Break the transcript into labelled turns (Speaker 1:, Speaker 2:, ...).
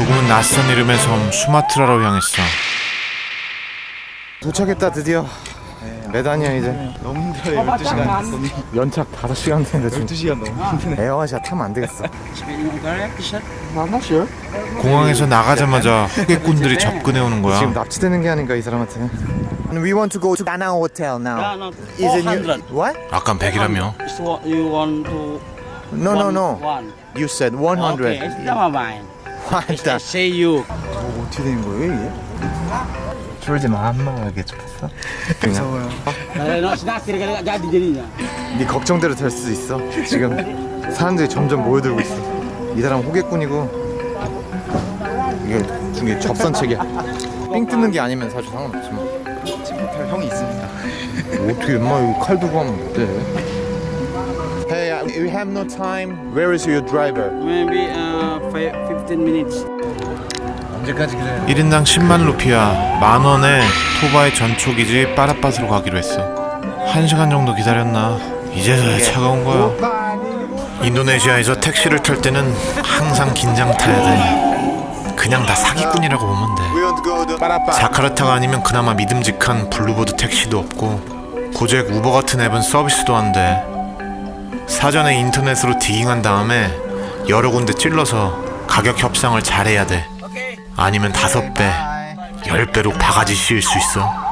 Speaker 1: 조금은 낯선 이름의 섬 수마트라로 향했어.
Speaker 2: 도착했다 드디어. 메단이야 이제.
Speaker 3: 너무 힘들어요. 12시간 손이.
Speaker 2: 연착 5시간 되는데 지금
Speaker 3: 12시간 너무 힘드네.
Speaker 2: 에어아시아 타면 안 되겠어.
Speaker 1: 공항에서 나가자마자 후계꾼들이 접근해 오는
Speaker 2: 지금
Speaker 1: 거야.
Speaker 2: 납치되는 게 아닌가 이 사람한테. We want to go to Danang Hotel now.
Speaker 4: No,
Speaker 2: Is it
Speaker 4: 400.
Speaker 2: What?
Speaker 1: 아깐 100이라며.
Speaker 4: It's what you want to.
Speaker 2: No, no, no.
Speaker 4: One.
Speaker 2: You said
Speaker 4: Okay,
Speaker 2: 100.
Speaker 4: it's not mine.
Speaker 2: 일단
Speaker 4: Say you.
Speaker 3: 어떻게 된 거예요 이게?
Speaker 2: 쫄지 마. 한마하게 줬어.
Speaker 3: 무서워요.
Speaker 4: No, snack kira-kira nggak jadi jadinya.
Speaker 2: 네 걱정대로 될 수도 있어. 지금 사람들이 점점 모여들고 있어. 이 사람 호객꾼이고 이게 중에 접선책이야. 삥 뜯는 게 아니면 사실 상관없지만
Speaker 3: 할 형이 있습니다.
Speaker 2: 어떻게 엄마 이거 칼 들고 하면 어때? Hey, we have no time. Where is your driver?
Speaker 4: Maybe 15 minutes.
Speaker 3: 언제까지 그래?
Speaker 1: 1인당 10만 루피야. 10,000원에 토바의 전초기지 빠라빠스로 가기로 했어. 1시간 정도 기다렸나. 이제서야 차가 온 거야. 인도네시아에서 택시를 탈 때는 항상 긴장 타야 돼. 그냥 다 사기꾼이라고 보면 돼.
Speaker 2: We want to go to Parapan.
Speaker 1: 자카르타가 아니면 그나마 믿음직한 블루보드 택시도 없고 고잭 우버 같은 앱은 서비스도 안 돼. 사전에 인터넷으로 디깅한 다음에 여러 군데 찔러서 가격 협상을 잘해야 돼. 아니면 5배, 10배로 바가지 씌울 수 있어.